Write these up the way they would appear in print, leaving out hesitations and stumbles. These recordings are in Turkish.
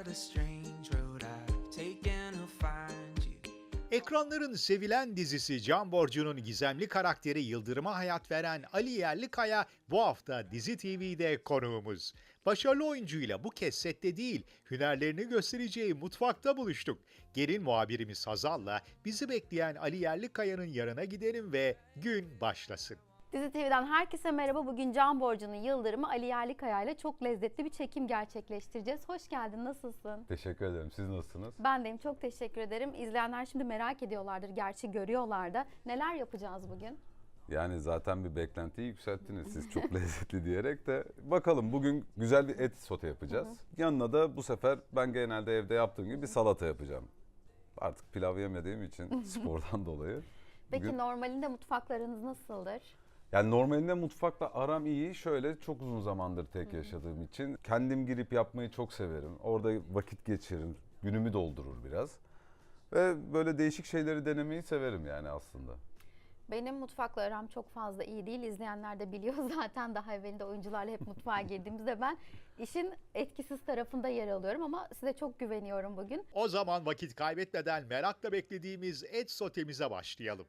the strange road I've taken to find you. Ekranların sevilen dizisi Can Borcu'nun gizemli karakteri Yıldırım'a hayat veren Ali Yerlikaya bu hafta Dizi TV'de konuğumuz. Başarılı oyuncuyla bu kez sette değil, hünerlerini göstereceği mutfakta buluştuk. Gelin muhabirimiz Hazal'la bizi bekleyen Ali Yerlikaya'nın yanına gidelim ve gün başlasın. Dizi TV'den herkese merhaba. Bugün Can Borcu'nun Yıldırım'ı Ali Yerlikaya ile çok lezzetli bir çekim gerçekleştireceğiz. Hoş geldin, nasılsın? Teşekkür ederim. Siz nasılsınız? Ben deyim, çok teşekkür ederim. İzleyenler şimdi merak ediyorlardır, gerçi görüyorlar da. Neler yapacağız bugün? Yani zaten bir beklentiyi yükselttiniz siz çok lezzetli diyerek de. Bakalım bugün güzel bir et sote yapacağız. Yanına da bu sefer ben genelde evde yaptığım gibi bir salata yapacağım. Artık pilav yemediğim için spordan dolayı. Peki Bugün... normalinde mutfaklarınız nasıldır? Yani normalinde mutfakla aram iyi. Şöyle çok uzun zamandır tek yaşadığım için kendim girip yapmayı çok severim. Orada vakit geçiririm. Günümü doldurur biraz. Ve böyle değişik şeyleri denemeyi severim yani aslında. Benim mutfakla aram çok fazla iyi değil. İzleyenler de biliyor zaten, daha evvelinde oyuncularla hep mutfağa girdiğimizde ben işin etkisiz tarafında yer alıyorum ama size çok güveniyorum bugün. O zaman vakit kaybetmeden merakla beklediğimiz et sotemize başlayalım.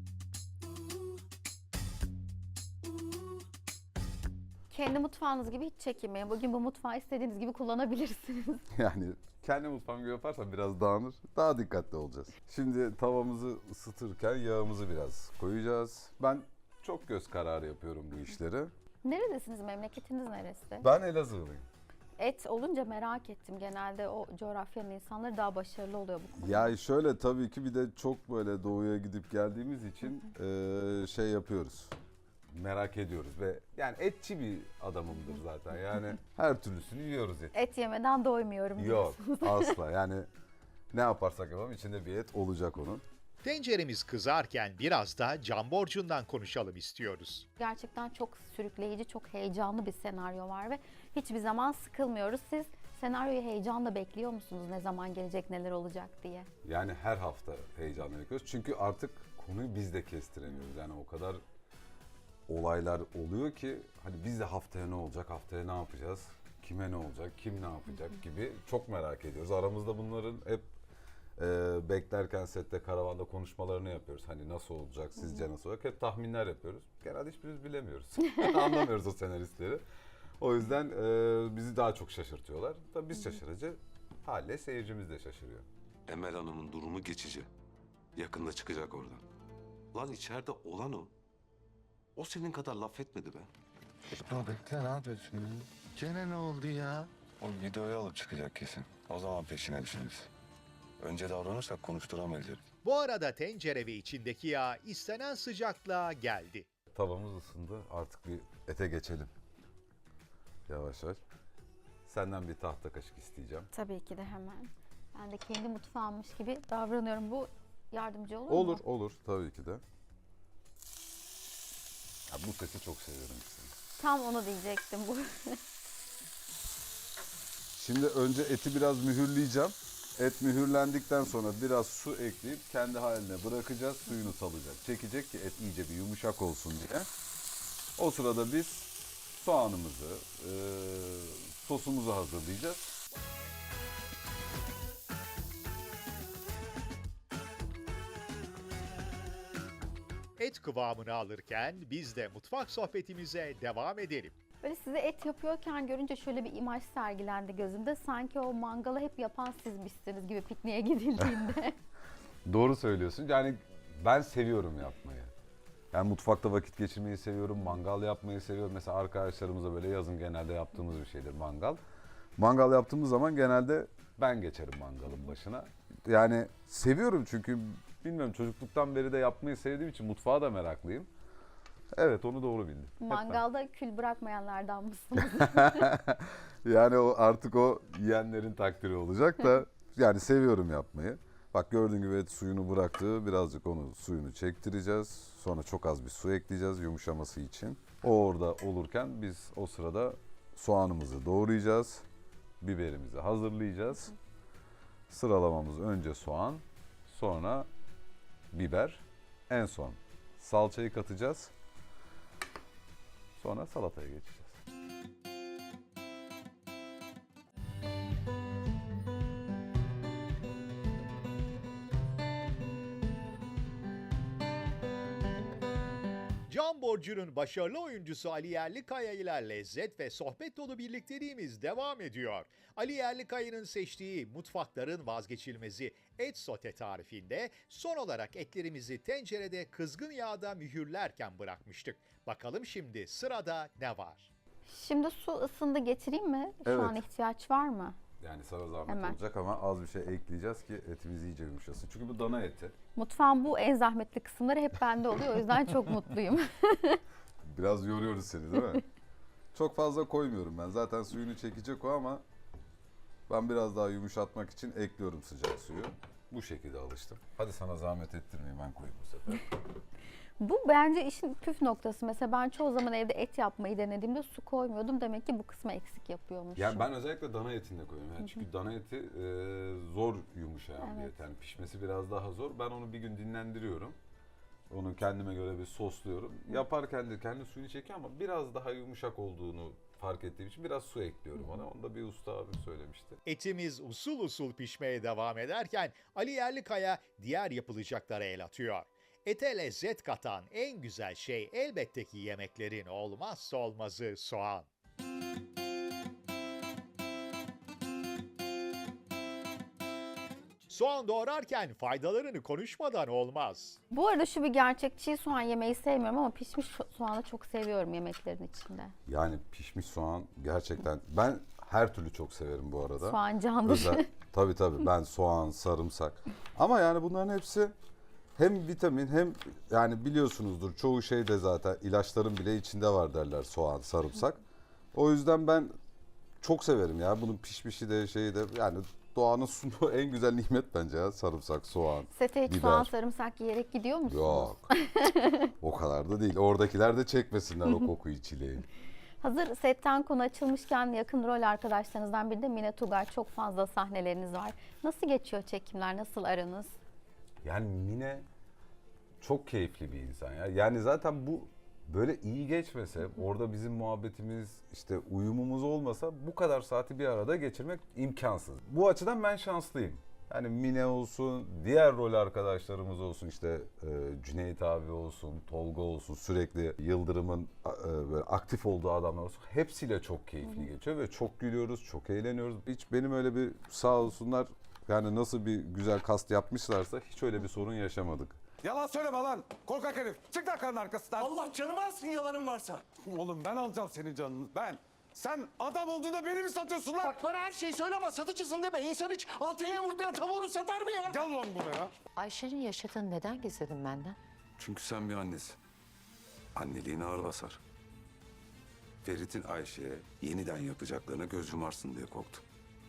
Kendi mutfağınız gibi hiç çekinmeyin. Bugün bu mutfağı istediğiniz gibi kullanabilirsiniz. Yani kendi mutfağım gibi yaparsam biraz dağınır. Daha dikkatli olacağız. Şimdi tavamızı ısıtırken yağımızı biraz koyacağız. Ben çok göz kararı yapıyorum bu işleri. Neredesiniz? Memleketiniz neresi? Ben Elazığlıyım. Et olunca merak ettim. Genelde o coğrafyanın insanları daha başarılı oluyor bu konuda. Ya şöyle tabii ki bir de çok böyle doğuya gidip geldiğimiz için şey yapıyoruz. Merak ediyoruz ve yani etçi bir adamımdır zaten. Yani her türlüsünü yiyoruz et. Et yemeden doymuyorum Yok diyorsunuz. asla yani ne yaparsak yapalım içinde bir et olacak onun. Tenceremiz kızarken biraz da Can Borcu'ndan konuşalım istiyoruz. Gerçekten çok sürükleyici, çok heyecanlı bir senaryo var ve hiçbir zaman sıkılmıyoruz. Siz senaryoyu heyecanla bekliyor musunuz? Ne zaman gelecek, neler olacak diye? Yani her hafta heyecanla bekliyoruz. Çünkü artık konuyu biz de kestiremiyoruz. Yani o kadar olaylar oluyor ki hani biz de haftaya ne olacak, haftaya ne yapacağız, kime ne olacak, kim ne yapacak gibi çok merak ediyoruz. Aramızda bunların hep beklerken sette, karavanda konuşmalarını yapıyoruz. Hani nasıl olacak, sizce nasıl olacak? Hep tahminler yapıyoruz. Genelde hiçbirimiz bilemiyoruz. Anlamıyoruz o senaristleri. O yüzden bizi daha çok şaşırtıyorlar. Tabii biz şaşırınca haliyle seyircimiz de şaşırıyor. Emel Hanım'ın durumu geçici. Yakında çıkacak oradan. Lan içeride olan o. O senin kadar laf etmedi be. Ya bekle, ne yapıyorsun ya? Gene ne oldu ya? O videoyu alıp çıkacak kesin. O zaman peşine düşeriz. Önce davranırsak konuşturamayız herif. Bu arada tencere ve içindeki yağ istenen sıcaklığa geldi. Tavamız ısındı. Artık bir ete geçelim. Yavaş yavaş. Senden bir tahta kaşık isteyeceğim. Tabii ki de hemen. Ben de kendi mutfağımmış gibi davranıyorum. Bu yardımcı olur mu? Olur, olur. Tabii ki de. Ya bu sesi çok seviyorum işte. Tam onu diyecektim bu. Şimdi önce eti biraz mühürleyeceğim. Et mühürlendikten sonra biraz su ekleyip kendi haline bırakacağız. Suyunu salacak. Çekecek ki et iyice bir yumuşak olsun diye. O sırada biz soğanımızı, sosumuzu hazırlayacağız. Et kıvamını alırken biz de mutfak sohbetimize devam edelim. Böyle size et yapıyorken görünce şöyle bir imaj sergilendi gözümde. Sanki o mangalı hep yapan sizmişsiniz gibi pikniğe gidildiğinde. Doğru söylüyorsun. Yani ben seviyorum yapmayı. Yani mutfakta vakit geçirmeyi seviyorum, mangal yapmayı seviyorum. Mesela arkadaşlarımızla böyle yazın genelde yaptığımız bir şeydir mangal. Mangal yaptığımız zaman genelde ben geçerim mangalın başına. Yani seviyorum çünkü bilmiyorum çocukluktan beri de yapmayı sevdiğim için mutfağa da meraklıyım. Evet onu doğru bildim. Mangalda kül bırakmayanlardan mısınız? Yani o artık o yiyenlerin takdiri olacak da yani seviyorum yapmayı. Bak gördüğün gibi et suyunu bıraktı. Birazcık onu suyunu çektireceğiz. Sonra çok az bir su ekleyeceğiz yumuşaması için. O orada olurken biz o sırada soğanımızı doğrayacağız. Biberimizi hazırlayacağız. Sıralamamız önce soğan, sonra biber, en son salçayı katacağız. Sonra salataya geçeceğiz. Can Borcu'nun başarılı oyuncusu Ali Yerlikaya ile lezzet ve sohbet dolu birlikteliğimiz devam ediyor. Ali Yerlikaya'nın seçtiği mutfakların vazgeçilmezi et sote tarifinde son olarak etlerimizi tencerede kızgın yağda mühürlerken bırakmıştık. Bakalım şimdi sırada ne var? Şimdi su ısındı, getireyim mi? Şu Evet. an ihtiyaç var mı? Yani sana zahmet Hemen. olacak ama az bir şey ekleyeceğiz ki etimiz iyice yumuşasın. Çünkü bu dana eti. Mutfağın bu en zahmetli kısımları hep bende oluyor. O yüzden çok mutluyum. Biraz yoruyoruz seni değil mi? Çok fazla koymuyorum ben. Zaten suyunu çekecek o ama ben biraz daha yumuşatmak için ekliyorum sıcak suyu. Bu şekilde alıştım. Hadi sana zahmet ettirmeyeyim, ben koyayım bu sefer. Bu bence işin püf noktası. Mesela ben çoğu zaman evde et yapmayı denediğimde su koymuyordum. Demek ki bu kısmı eksik yapıyormuşum. Yani ben özellikle dana etinde koyuyorum. Yani çünkü dana eti zor yumuşayan bir Evet. et. Yani pişmesi biraz daha zor. Ben onu bir gün dinlendiriyorum. Onu kendime göre bir sosluyorum. Yaparken de kendi suyunu çekiyor ama biraz daha yumuşak olduğunu fark ettiğim için biraz su ekliyorum ona. Onu da bir usta abim söylemişti. Etimiz usul usul pişmeye devam ederken Ali Yerlikaya diğer yapılacaklara el atıyor. Ete lezzet katan en güzel şey elbette ki yemeklerin olmazsa olmazı soğan. Soğan doğrarken faydalarını konuşmadan olmaz. Bu arada şu bir gerçek, çiğ soğan yemeyi sevmiyorum ama pişmiş soğanı çok seviyorum yemeklerin içinde. Yani pişmiş soğan gerçekten, ben her türlü çok severim bu arada. Soğan candır. Tabii ben soğan, sarımsak. Ama yani bunların hepsi hem vitamin hem yani biliyorsunuzdur çoğu şey de zaten ilaçların bile içinde var derler, soğan, sarımsak. O yüzden ben çok severim ya. Bunun pişmişi de şeyi de, yani doğanın sunduğu en güzel nimet bence ya, sarımsak, soğan. Sete hiç biber. soğan sarımsak yiyerek gidiyor musunuz? Yok. O kadar da değil. Oradakiler de çekmesinler o kokuyu, çileği. Hazır setten konu açılmışken yakın rol arkadaşlarınızdan biri de Mine Tugay. Çok fazla sahneleriniz var. Nasıl geçiyor çekimler? Nasıl aranız? Yani Mine çok keyifli bir insan ya. Yani zaten bu böyle iyi geçmese, orada bizim muhabbetimiz, işte uyumumuz olmasa bu kadar saati bir arada geçirmek imkansız. Bu açıdan ben şanslıyım. Yani Mine olsun, diğer rol arkadaşlarımız olsun, işte Cüneyt abi olsun, Tolga olsun, sürekli Yıldırım'ın böyle aktif olduğu adamlar olsun. Hepsiyle çok keyifli geçiyor ve çok gülüyoruz, çok eğleniyoruz. Hiç benim öyle bir, sağ olsunlar, yani nasıl bir güzel kast yapmışlarsa hiç öyle bir sorun yaşamadık. Yalan söyleme lan. Korkak herif. Çık lan karnın arkasından. Allah canımı alsın yalanın varsa. Oğlum ben alacağım senin canını. Ben. Sen adam olduğunda beni mi satıyorsun lan? Bak bana her şeyi söyleme, satıcısın deme. İnsan hiç altına yumurtlayan tavuğunu satar mı ya? Gel lan buraya. Ayşe'nin yaşadığını neden gizledin benden? Çünkü sen bir annesin. Anneliğin ağır basar. Ferit'in Ayşe'ye yeniden yapacaklarına göz yumarsın diye korktum.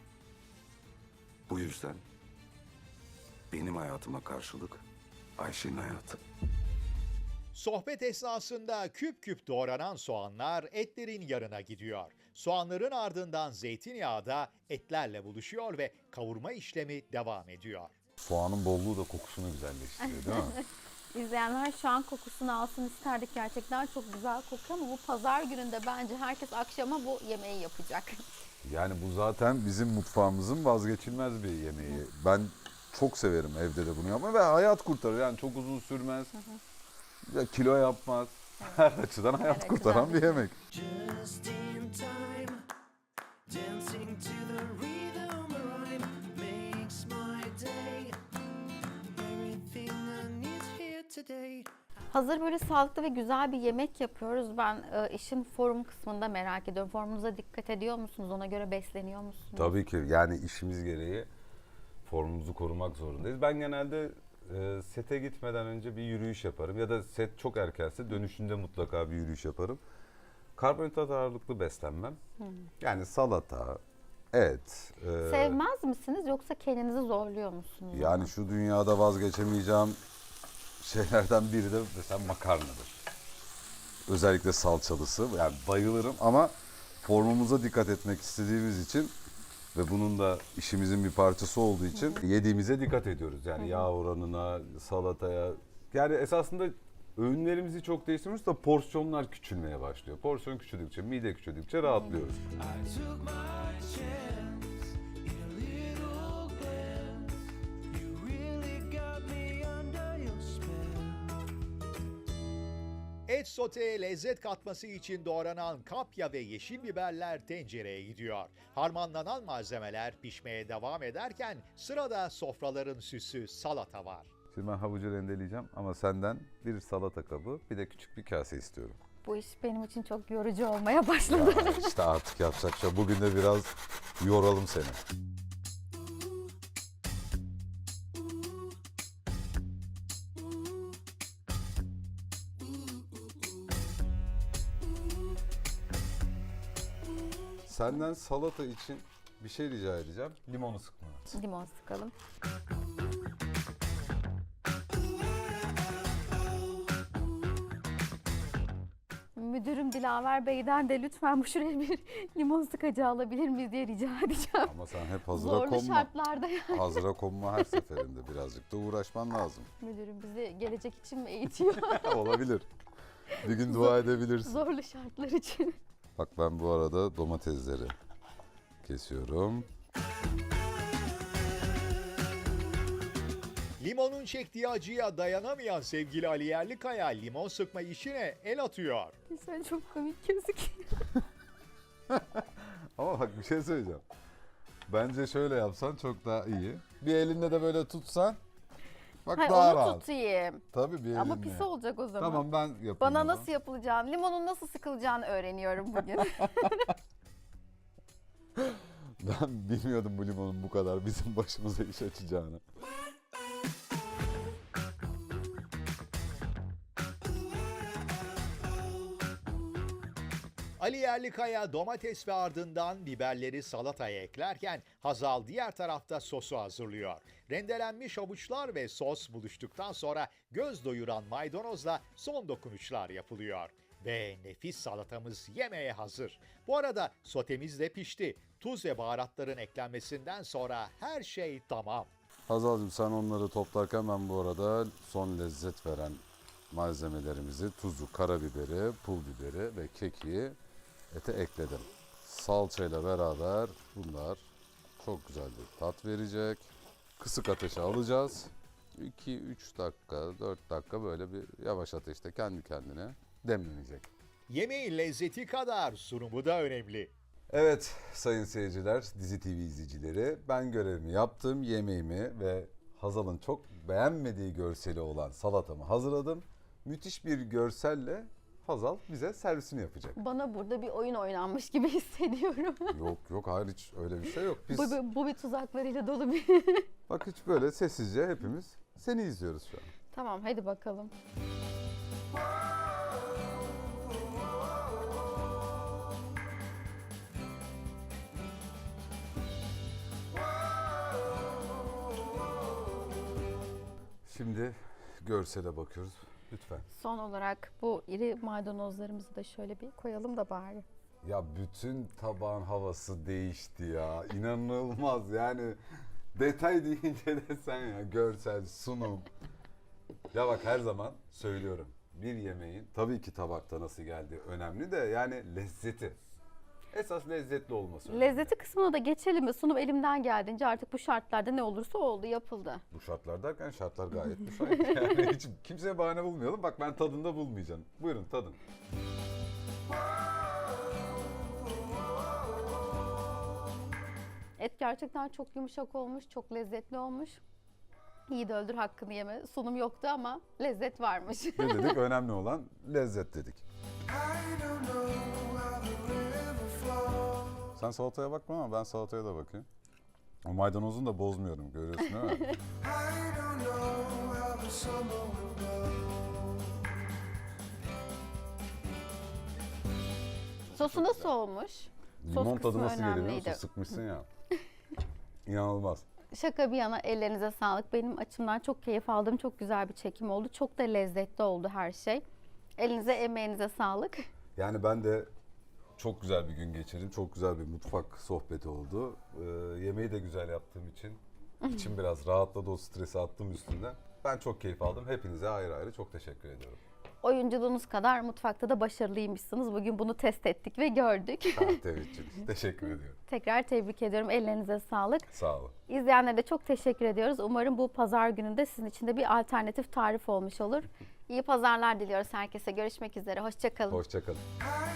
Bu yüzden benim hayatıma karşılık Ayşe'nin hayatı. Sohbet esnasında küp küp doğranan soğanlar etlerin yanına gidiyor. Soğanların ardından zeytinyağı da etlerle buluşuyor ve kavurma işlemi devam ediyor. Soğanın bolluğu da kokusunu güzelleştiriyor değil mi? İzleyenler şu an kokusunu alsın isterdik. Gerçekten çok güzel kokuyor ama bu pazar gününde bence herkes akşama bu yemeği yapacak. Yani bu zaten bizim mutfağımızın vazgeçilmez bir yemeği. Ben çok severim evde de bunu yapmayı ve hayat kurtarır. Yani çok uzun sürmez. Ya kilo yapmaz. Her açıdan hayat Evet, kurtaran güzel bir yemek. Just in time, dancing to the rhythm rhyme makes my day. Everything I need here today. Hazır böyle sağlıklı ve güzel bir yemek yapıyoruz. Ben işin form kısmında merak ediyorum. Formunuza dikkat ediyor musunuz? Ona göre besleniyor musunuz? Tabii ki, yani işimiz gereği formumuzu korumak zorundayız. Ben genelde sete gitmeden önce bir yürüyüş yaparım. Ya da set çok erkense dönüşünde mutlaka bir yürüyüş yaparım. Karbonhidrat ağırlıklı beslenmem. Yani salata, et. Sevmez misiniz yoksa kendinizi zorluyor musunuz? Yani şu dünyada vazgeçemeyeceğim şeylerden biri de mesela makarnadır. Özellikle salçalısı. Yani bayılırım ama formumuza dikkat etmek istediğimiz için ve bunun da işimizin bir parçası olduğu için yediğimize dikkat ediyoruz. Yani yağ oranına, salataya. Yani esasında öğünlerimizi çok değiştiriyoruz da porsiyonlar küçülmeye başlıyor. Porsiyon küçüldükçe, mide küçüldükçe rahatlıyoruz. I took my chance in a little glance. You really got me under your spell. Et soteye lezzet katması için doğranan kapya ve yeşil biberler tencereye gidiyor. Harmanlanan malzemeler pişmeye devam ederken sırada sofraların süsü salata var. Şimdi ben havucu rendeleyeceğim ama senden bir salata kabı, bir de küçük bir kase istiyorum. Bu iş benim için çok yorucu olmaya başladı. Ya işte artık yapacak şey. Bugün de biraz yoralım seni. Senden salata için bir şey rica edeceğim. Limonu sıkma. Limon sıkalım. Müdürüm Dilaver Bey'den de lütfen bu şuraya bir limon sıkacağı alabilir miyiz diye rica edeceğim. Ama sen hep hazıra Zorlu konma. şartlarda yani. Hazıra konma her seferinde. Birazcık da uğraşman lazım. Müdürüm bizi gelecek için mi eğitiyor? Olabilir. Bir gün dua edebilirsin. Zorlu şartlar için. Bak ben bu arada domatesleri kesiyorum. Limonun çektiği acıya dayanamayan sevgili Ali Yerlikaya limon sıkma işine el atıyor. Sen çok komik gözüküyor. Ama bak bir şey söyleyeceğim. Bence şöyle yapsan çok daha iyi. Bir elinde de böyle tutsan. Bak Hayır daha onu rahat. tutayım. Tabii bir elinle. Ama pis olacak o zaman. Tamam ben yapayım. Bana o zaman. nasıl yapılacağını, limonun nasıl sıkılacağını öğreniyorum bugün. Ben bilmiyordum bu limonun bu kadar bizim başımıza iş açacağını. Ali Yerlikaya domates ve ardından biberleri salataya eklerken Hazal diğer tarafta sosu hazırlıyor. Rendelenmiş havuçlar ve sos buluştuktan sonra göz doyuran maydanozla son dokunuşlar yapılıyor. Ve nefis salatamız yemeğe hazır. Bu arada sotemiz de pişti. Tuz ve baharatların eklenmesinden sonra her şey tamam. Hazal'cığım sen onları toplarken ben bu arada son lezzet veren malzemelerimizi, tuzu, karabiberi, pul biberi ve kekiği ete ekledim. Salçayla beraber bunlar çok güzel bir tat verecek. Kısık ateşe alacağız. 2-3 dakika, 4 dakika böyle bir yavaş ateşte kendi kendine demlenecek. Yemeğin lezzeti kadar sunumu da önemli. Evet sayın seyirciler, Dizi TV izleyicileri, ben görevimi yaptım, yemeğimi ve Hazal'ın çok beğenmediği görseli olan salatamı hazırladım. Müthiş bir görselle Hazal bize servisini yapacak. Bana burada bir oyun oynanmış gibi hissediyorum. Yok hayır hiç öyle bir şey yok. Biz Bu bir tuzaklarıyla dolu bir... bak hiç böyle sessizce hepimiz seni izliyoruz şu an. Tamam hadi bakalım. Şimdi görsele bakıyoruz lütfen. Son olarak bu iri maydanozlarımızı da şöyle bir koyalım da bari. Ya bütün tabağın havası değişti ya. İnanılmaz yani. Detay deyince de sen ya görsel, sunum. Ya bak her zaman söylüyorum. Bir yemeğin tabii ki tabakta nasıl geldiği önemli de yani lezzeti. Esas lezzetli olması önemli. Lezzeti kısmına da geçelim mi? Sunum elimden geldiğince artık bu şartlarda ne olursa oldu, yapıldı. Bu şartlar derken şartlar gayet müsait. Yani hiç kimseye bahane bulmayalım. Bak ben tadında bulmayacağım. Buyurun tadın. Et gerçekten çok yumuşak olmuş, çok lezzetli olmuş. İyi de öldür hakkını yeme. Sunum yoktu ama lezzet varmış. Ne dedik? Önemli olan lezzet dedik. I don't know how the river flows. Sen salataya bakma ama ben salataya da bakayım. O maydanozunu da bozmuyorum görüyorsun değil mi? I don't know how the summer will go. Sosu nasıl olmuş? Limon kısmı tadı nasıl geliyor biliyor önemliydi. musun? Sıkmışsın ya. İnanılmaz. Şaka bir yana ellerinize sağlık. Benim açımdan çok keyif aldığım çok güzel bir çekim oldu. Çok da lezzetli oldu her şey. Elinize emeğinize sağlık. Yani ben de çok güzel bir gün geçirdim. Çok güzel bir mutfak sohbeti oldu. Yemeği de güzel yaptığım için içim biraz rahatladı, o stresi attım üstünden. Ben çok keyif aldım. Hepinize ayrı ayrı çok teşekkür ediyorum. oyunculuğunuz kadar mutfakta da başarılıymışsınız. Bugün bunu test ettik ve gördük. Teveccüh. Teşekkür ediyorum. Tekrar tebrik ediyorum. Ellerinize sağlık. Sağ olun. İzleyenlere de çok teşekkür ediyoruz. Umarım bu pazar gününde sizin için de bir alternatif tarif olmuş olur. İyi pazarlar diliyoruz herkese. Görüşmek üzere. Hoşça kalın. Hoşça kalın. I